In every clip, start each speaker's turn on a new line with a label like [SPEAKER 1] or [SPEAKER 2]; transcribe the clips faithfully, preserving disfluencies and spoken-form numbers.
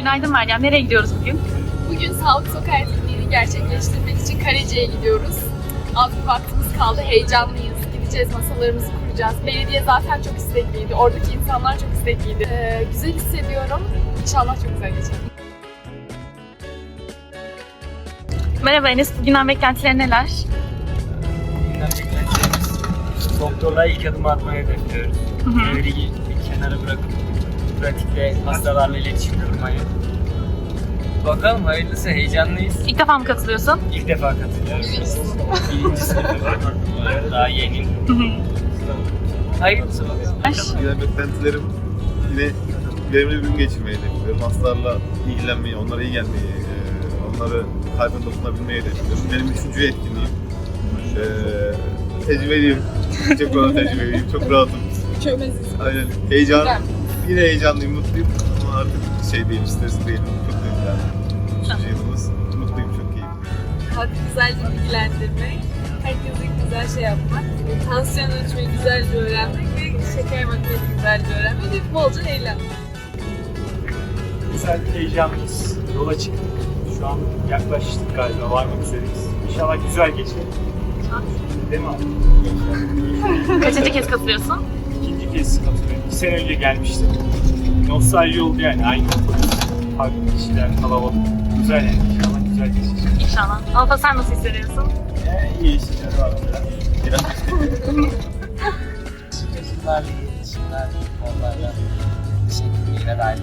[SPEAKER 1] Günaydın Meryem. Nereye gidiyoruz bugün?
[SPEAKER 2] Bugün Sağlık Sokağı etkinliğini gerçekleştirmek için Karaca'ya gidiyoruz. Az bir vaktimiz kaldı, heyecanlıyız. Gideceğiz, masalarımızı kuracağız. Belediye zaten çok istekliydi, oradaki insanlar çok istekliydi. Ee, güzel hissediyorum. İnşallah çok güzel geçer.
[SPEAKER 1] Merhaba Enes. Bugünden beklentilerin neler?
[SPEAKER 3] Bugünden beklentilerimiz doktorluğa ilk adımı atmayı hedefliyoruz. Teoriyi bir kenara bırakıp pratikte hastalarla iletişim kurmayı. Bakalım hayırlısı, heyecanlıyız.
[SPEAKER 1] İlk defa mı katılıyorsun?
[SPEAKER 3] İlk defa katılıyorum. Birinci sınıfta daha yeni. Hayırlısı bakalım.
[SPEAKER 4] Yine beklentilerim yine verimli bir gün geçirmeyi hedefliyorum. Hastalarla ilgilenmeyi, onlara iyi gelmeyi, onları kalbine dokunabilmeyi hedefliyorum. Benim üçüncü etkinliğim. Ee, tecrübeliyim. Çok fazla tecrübeliyim. Çok rahatım.
[SPEAKER 2] Çömeziz.
[SPEAKER 4] Aynen. Heyecan. Yine heyecanlıyım, mutluyum. Ama artık şey değilim, stresli değilim. Çok değilim yani. Üçüncü yılımız. Mutluyum, çok iyiyim.
[SPEAKER 2] Halkı güzelce bilgilendirmek, herkese güzel şey yapmak, tansiyon ölçmeyi güzelce öğrenmek ve şeker bakmayı güzelce öğrenmek ve bolca eğlenmek.
[SPEAKER 5] Güzel, heyecanlıyız. Yola çıktık. Şu an yaklaştık galiba, varmak üzereyiz. İnşallah güzel geçer. Değil mi abi?
[SPEAKER 1] Kaçıncı kez katılıyorsun?
[SPEAKER 5] İkinci kez katılıyorum. İki sene önce gelmiştim. Nostalji oldu yani. Aynı farklı kişiler, kalabalık. Güzel yani. İnşallah güzel geçecek.
[SPEAKER 1] İnşallah. Alfa sen nasıl hissediyorsun?
[SPEAKER 5] Ee, iyi hissediyorum abi.
[SPEAKER 4] Biraz
[SPEAKER 3] Çocuklarla iletişimler, onlarla şekilliğine dair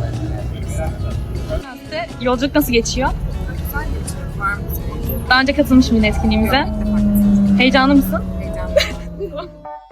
[SPEAKER 1] Size yolculuk nasıl geçiyor?
[SPEAKER 2] Güzel geçiyorum, var mı?
[SPEAKER 1] Daha önce katılmış mıydın etkinliğimize? Heyecanlı mısın?
[SPEAKER 2] Heyecanlı.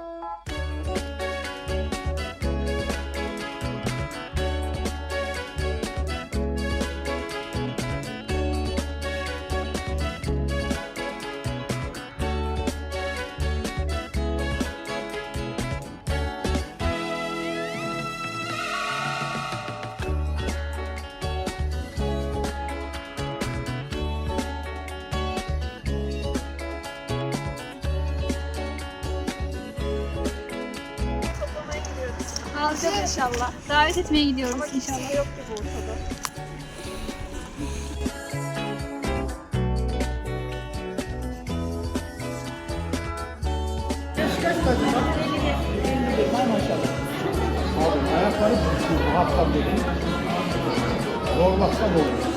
[SPEAKER 6] Alacağız inşallah. Davet etmeye gidiyoruz inşallah.
[SPEAKER 2] Yok gibi ortada.
[SPEAKER 7] Ayakları düşüyor bu hafta dedi. Zorlaksa olur.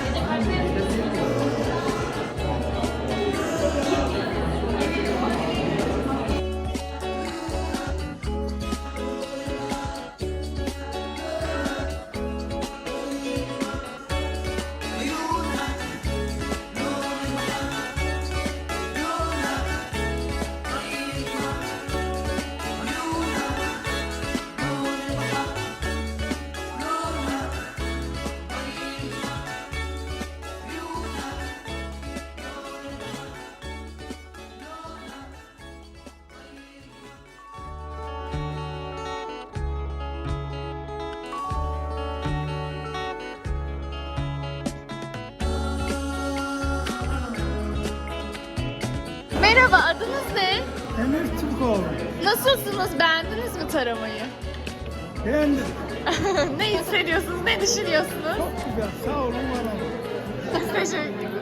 [SPEAKER 2] Merhaba, adınız ne?
[SPEAKER 7] Emir Türkoğlu.
[SPEAKER 2] Nasılsınız? Beğendiniz mi taramayı?
[SPEAKER 7] Beğendim.
[SPEAKER 2] Ne hissediyorsunuz? Ne düşünüyorsunuz?
[SPEAKER 7] Çok güzel. Sağ olun bana.
[SPEAKER 2] Teşekkür ederim.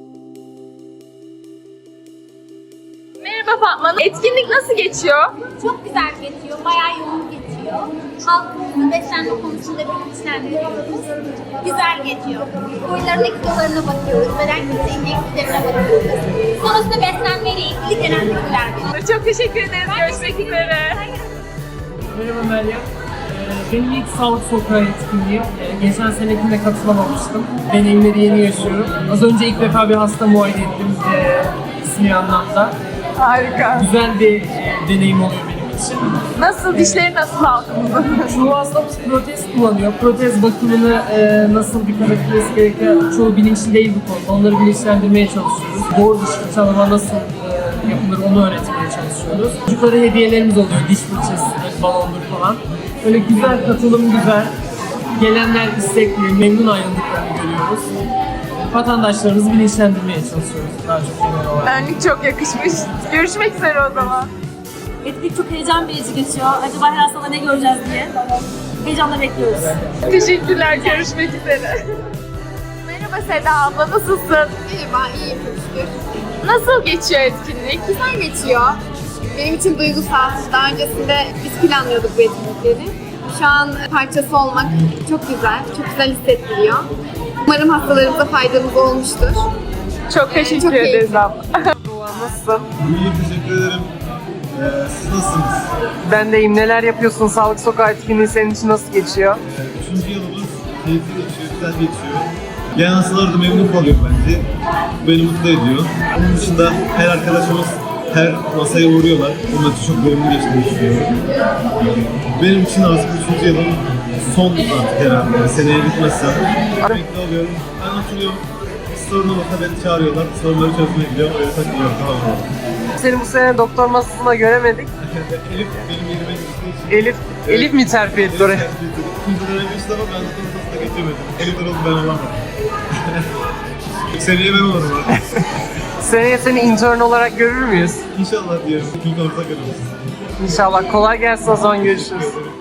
[SPEAKER 2] Merhaba Fatma Hanım. Etkinlik nasıl geçiyor?
[SPEAKER 6] Çok güzel geçiyor, bayağı yoğun geçiyor. Halkımızı beslenme konusunda bilinçlendiriyoruz. Güzel geçiyor. Boylarındaki kilolarına bakıyoruz, beden kitle indekslerine bakıyoruz. Sonrasında beslenmeyle ilgili genel bilgiler veriyoruz.
[SPEAKER 2] Çok teşekkür ederiz. Görüşmek üzere.
[SPEAKER 8] Merhaba Meryem. Ee, Benim ilk Sağlık Sokağı etkinliğim. Ee, Geçen senekinde katılamamıştım. Deneyimleri yeni yaşıyorum. Az önce ilk defa bir hasta muayene ettim e, ismi anlamda.
[SPEAKER 2] Harika.
[SPEAKER 8] Güzel bir e, deneyim oluyor benim için.
[SPEAKER 2] Nasıl? Dişleri nasıl halkımızın?
[SPEAKER 8] Çoğu hastamız protez kullanıyor. Protez bakımını e, nasıl dikkat edilmesi gerektiği çoğu bilinçli değil bu konuda. Onları bilinçlendirmeye çalışıyoruz. Doğru diş fırçalama nasıl e, yapılır onu öğretmeye çalışıyoruz. Çocuklara hediyelerimiz oluyor. Diş fırçası, balondur falan. Öyle güzel, katılım güzel. Gelenler istekli, memnun ayrıldıklarını görüyoruz. Vatandaşlarımızı bilinçlendirmeye çalışıyoruz daha çok genel olarak.
[SPEAKER 2] Önlük çok yakışmış. Görüşmek üzere o zaman.
[SPEAKER 6] Etkinlik çok heyecan verici geçiyor. Acaba her hastada ne göreceğiz diye.
[SPEAKER 1] Heyecanla bekliyoruz.
[SPEAKER 2] Teşekkürler, görüşmek üzere. Merhaba Seda abla, nasılsın?
[SPEAKER 9] Merhaba, iyiyim çok şükür.
[SPEAKER 2] Nasıl geçiyor etkinlik?
[SPEAKER 9] Güzel geçiyor. Benim için duygusal. Daha öncesinde biz planlıyorduk bu etkinlikleri. Şu an parçası olmak çok güzel, çok güzel hissettiriyor. Umarım hastalarımıza faydamız olmuştur.
[SPEAKER 2] Çok teşekkür
[SPEAKER 9] çok
[SPEAKER 2] ederiz
[SPEAKER 9] keyifli.
[SPEAKER 2] abla. Nasılsın?
[SPEAKER 4] İyi, teşekkür ederim. Ee, siz nasılsınız?
[SPEAKER 8] Ben deyim, neler yapıyorsun? Sağlık Sokağı etkinliği senin için nasıl geçiyor?
[SPEAKER 4] Ee, üçüncü yılımız keyifli geçiyor, güzel geçiyor. Gelen hastalar da memnun kalıyor bence. Beni mutlu ediyor. Onun dışında her arkadaşımız her masaya uğruyorlar. Onun için çok verimli geçtiğini düşünüyorum. Benim için artık üçüncü yılım son artık herhalde. Yani seneye bitmezse emekli oluyorum. Ben oturuyorum. Bir sorun olursa beni çağırıyorlar. Sorunları çözmeye gidiyorum. Öyle takılıyorum. Tamam mı?
[SPEAKER 8] Seni bu sene doktor masasında göremedik.
[SPEAKER 4] Elif benim yerime geçtiği için.
[SPEAKER 8] Elif, Elif mi terfi etti oraya?
[SPEAKER 4] İkinci dönem geçti ama ben doktor masasına geçemedim. Elif oldu, ben olamadım. Seneye ben olurum artık.
[SPEAKER 8] Seneye seni intern olarak görür müyüz?
[SPEAKER 4] İnşallah diyorum. İlk orta görürüz.
[SPEAKER 8] İnşallah. Kolay gelsin, o zaman görüşürüz.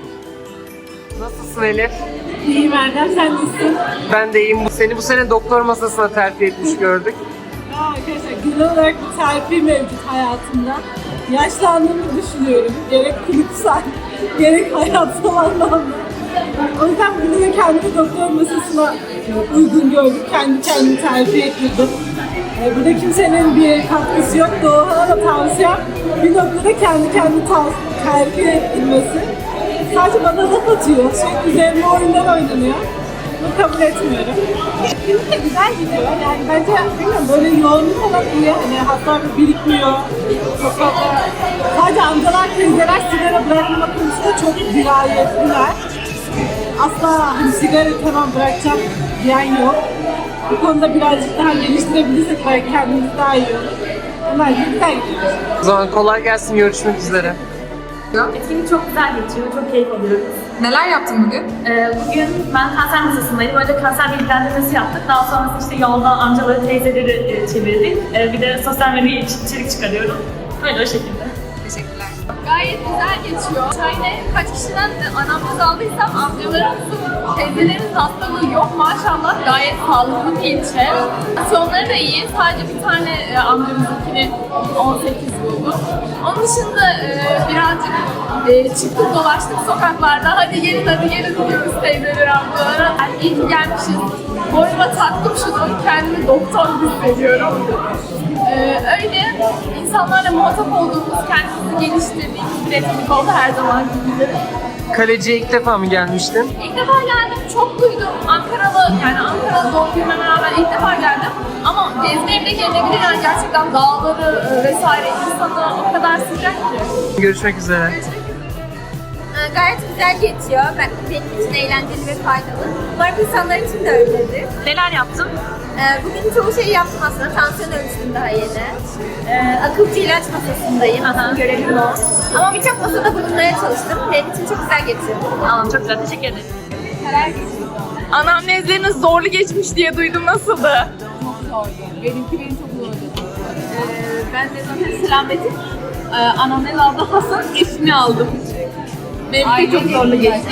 [SPEAKER 8] Nasılsın Elif?
[SPEAKER 1] İyiyim Erdem, sen nasılsın?
[SPEAKER 8] Ben de iyiyim. Seni bu sene doktor masasına terfi etmiş gördük.
[SPEAKER 10] Aa, arkadaşlar genel olarak bir terfi mevcut hayatımda. Yaşlandığımı düşünüyorum. Gerek klinisel, gerek hayatsal anlamda. O yüzden bunu da kendi doktor masasına uygun gördüm. Kendi kendimi terfi ettirdim. Ee, burada kimsenin bir katkısı yok. Doğan'a da tavsiyem bir noktada kendi kendi terfi ettirmesi. Sadece bana laf atıyor. Sürekli üzerine oyunlar oynanıyor. Bunu kabul etmiyorum. Etkinlik de güzel gidiyor. Yani bence bilmiyorum böyle yoğunluk olan iyi. Hani hastalar birikmiyor. Çok fazla. Sadece amcalar, teyzeler sigara bırakma konusunda çok dirayetliler. Asla hani sigara tamam bırakacağım diyen yok. Bu konuda birazcık daha geliştirebilirsek belki kendimiz daha iyi olur. Onlar gibi güzel gidiyor.
[SPEAKER 8] O zaman kolay gelsin, görüşmek üzere.
[SPEAKER 1] Etkinlik çok güzel geçiyor, çok keyif alıyoruz.
[SPEAKER 2] Neler yaptın bugün?
[SPEAKER 1] Ee, bugün ben kanser masasındaydım. Önce kanser bilgilendirmesi yaptık. Daha sonrasında işte yolda amcaları, teyzeleri e, çevirdik. Ee, bir de sosyal medyaya iç- içerik çıkarıyorum. Böyle o şekilde.
[SPEAKER 2] Teşekkürler. Gayet güzel geçiyor. Şöyle kaç kişiden anamnez aldıysam amcalarımızın, teyzelerimizin hastalığı yok maşallah. Gayet sağlıklı bir ilçe. Sonları da iyi. Sadece bir tane e, amcamızınkini on sekiz buldu. Onun dışında e, birazcık e, çıktık dolaştık sokaklarda. Hadi gelin hadi gelin diyoruz teyzeler amcalara. Yani iyi ki gelmişiz. Boynuma taktım şunu. Kendimi doktor hissediyorum. Ee, öyle insanlarla muhatap olduğumuz, kendimizi geliştirdiğimiz bir etkinlik oldu her zaman gibi.
[SPEAKER 8] Kaleci'ye ilk defa mı gelmiştin?
[SPEAKER 2] İlk defa geldim, çok duydum. Ankaralı, yani Ankara'da doğduğuma rağmen ilk defa geldim. Ama gezmeye bile gelebilir yani gerçekten dağları e, vesaire insanı o kadar sıcak ki.
[SPEAKER 8] Görüşmek üzere.
[SPEAKER 6] Ee, Gayet güzel geçiyor. Ben, benim için eğlenceli ve faydalı. Umarım insanlar için de öyledir.
[SPEAKER 1] Neler yaptın?
[SPEAKER 6] Ee, Bugün çoğu şeyi yaptım aslında. Tansiyon ölçtüm daha yeni. Ee, akılcı ilaç masasındayım. Asıl görevim o. Ama birçok masada bulunmaya çalıştım. Benim için çok güzel geçiyor.
[SPEAKER 1] Tamam, çok güzel. Teşekkür ederim.
[SPEAKER 2] Anamnezleriniz zorlu geçmiş diye duydum, nasıldı?
[SPEAKER 9] Benimki benim çok zordu. Ee, ben de zaten selametim. Ee, anamnez aldı, Hasan eşini aldım. Benimki çok zorlu geçti.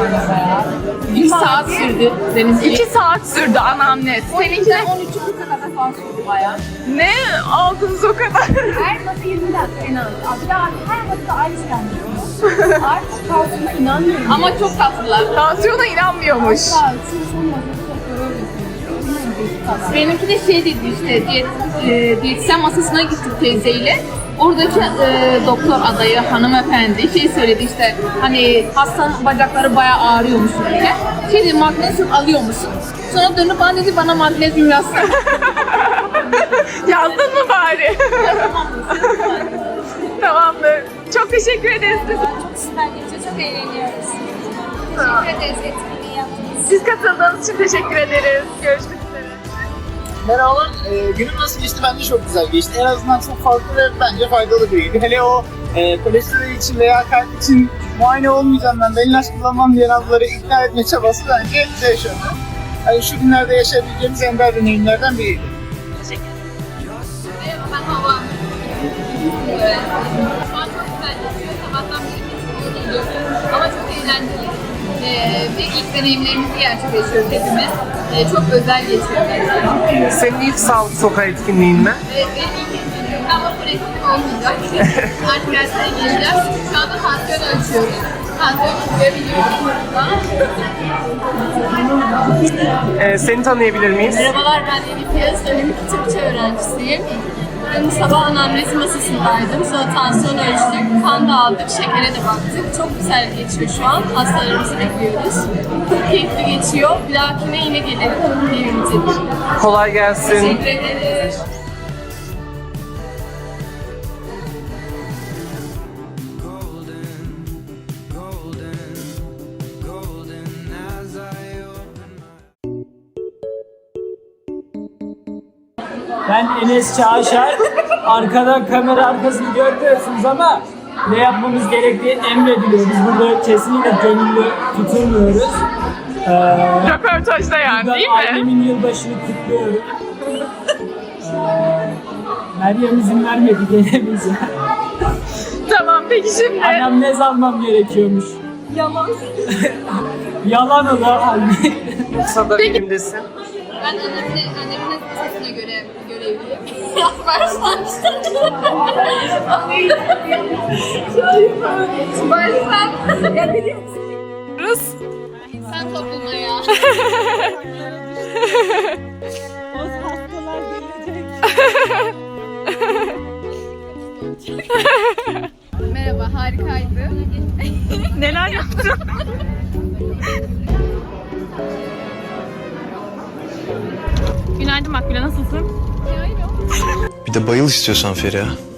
[SPEAKER 9] İki saat sürdü benimki.
[SPEAKER 2] İki saat sürdü anamnez. Seninki de
[SPEAKER 9] on üç dakika kadar falan sürdü bayağı.
[SPEAKER 2] ne aldınız o kadar?
[SPEAKER 9] Her masa yirmi dakika en az. Bir daha her masada aynı şey anlıyoruz. Artık tansiyona inanmıyorum. Ama çok tatlılar.
[SPEAKER 2] Tansiyona inanmıyormuş.
[SPEAKER 9] Benimki de şey dedi işte, diyet, e, diyetisyen masasına gittik teyzeyle. Oradaki e, doktor adayı hanımefendi şey söyledi işte, hani hastanın bacakları bayağı ağrıyormuş diye. Şey dedi, magnezyum alıyor musun? Sonra dönüp bana dedi, bana magnezyum yazsana.
[SPEAKER 2] Yazdın mı bari? Tamamdır. Çok teşekkür ederiz.
[SPEAKER 6] Çok süper geçiyor. Çok eğleniyoruz. Teşekkür ederiz etkinliği yaptığınız için.
[SPEAKER 2] Siz katıldığınız için teşekkür ederiz. Görüşmek üzere.
[SPEAKER 11] Merhabalar, ee, günüm nasıl geçti? Bence çok güzel geçti. En azından çok farklı ve bence faydalı bir gündü. Hele o e, kolesterol için veya kalp için muayene olmayacağım ben, ben ilaç kullanmam diyen ablaları ikna etme çabası bence bize yaşandı. Yani şu günlerde yaşayabileceğimiz ender deneyimlerden biriydi.
[SPEAKER 9] Merhaba, ben Hava. Evet. Şu an çok güzel geçiyor. Sabahtan beri kesinlikle geliyorum. Ama çok eğlenceli. Ee, deneyimlerimizi gerçekleştiriyoruz hepimiz. E, çok özel geçiyor bence.
[SPEAKER 12] Senin ilk sağlık sokağı etkinliğin mi?
[SPEAKER 9] Evet, benim ilk etkinliğim ama bu etkinlik olmayacak. Artık derslere gireceğiz. Şu anda tansiyon ölçüyoruz. Tansiyon tutabiliyoruz.
[SPEAKER 12] Ee, seni tanıyabilir miyiz?
[SPEAKER 10] Merhabalar, ben Elif Yağız. Dönem iki tıpçı öğrencisiyim. Ben sabah anamnezi masasındaydım. Sonra tansiyon ölçtük, kan da aldık, şekere de baktık. Çok güzel geçiyor şu an. Hastalarımızı bekliyoruz. Çok keyifli geçiyor. Bir dahakine yine gelelim evimize.
[SPEAKER 12] Kolay gelsin.
[SPEAKER 10] Teşekkür ederiz.
[SPEAKER 8] Ben Enes Çağşar. Arkadan kamera arkasını görmüyorsunuz ama ne yapmamız gerektiğini emrediliyor. Biz burada kesinlikle gönüllü tutulmuyoruz. Ee,
[SPEAKER 2] Röportajda yani değil mi?
[SPEAKER 8] Annemin yılbaşını kutluyorum. Ee, Meryem izin vermedi gelemeyeceğim.
[SPEAKER 2] Tamam peki şimdi.
[SPEAKER 8] Anamnez almam gerekiyormuş.
[SPEAKER 10] Yalan.
[SPEAKER 8] Yalan o da halbuki.
[SPEAKER 12] Yoksa da bilimdesin.
[SPEAKER 9] Ben annemin, annemin sesine göre görevliyim. Baştan Baştan. Ya biliyorsun. İnsan toplumaya.
[SPEAKER 10] O hastalar gelecek.
[SPEAKER 9] Merhaba, harikaydı.
[SPEAKER 2] Neler yaptın? Günaydın Makbule, nasılsın?
[SPEAKER 13] Bir de bayıl istiyorsan Feriha.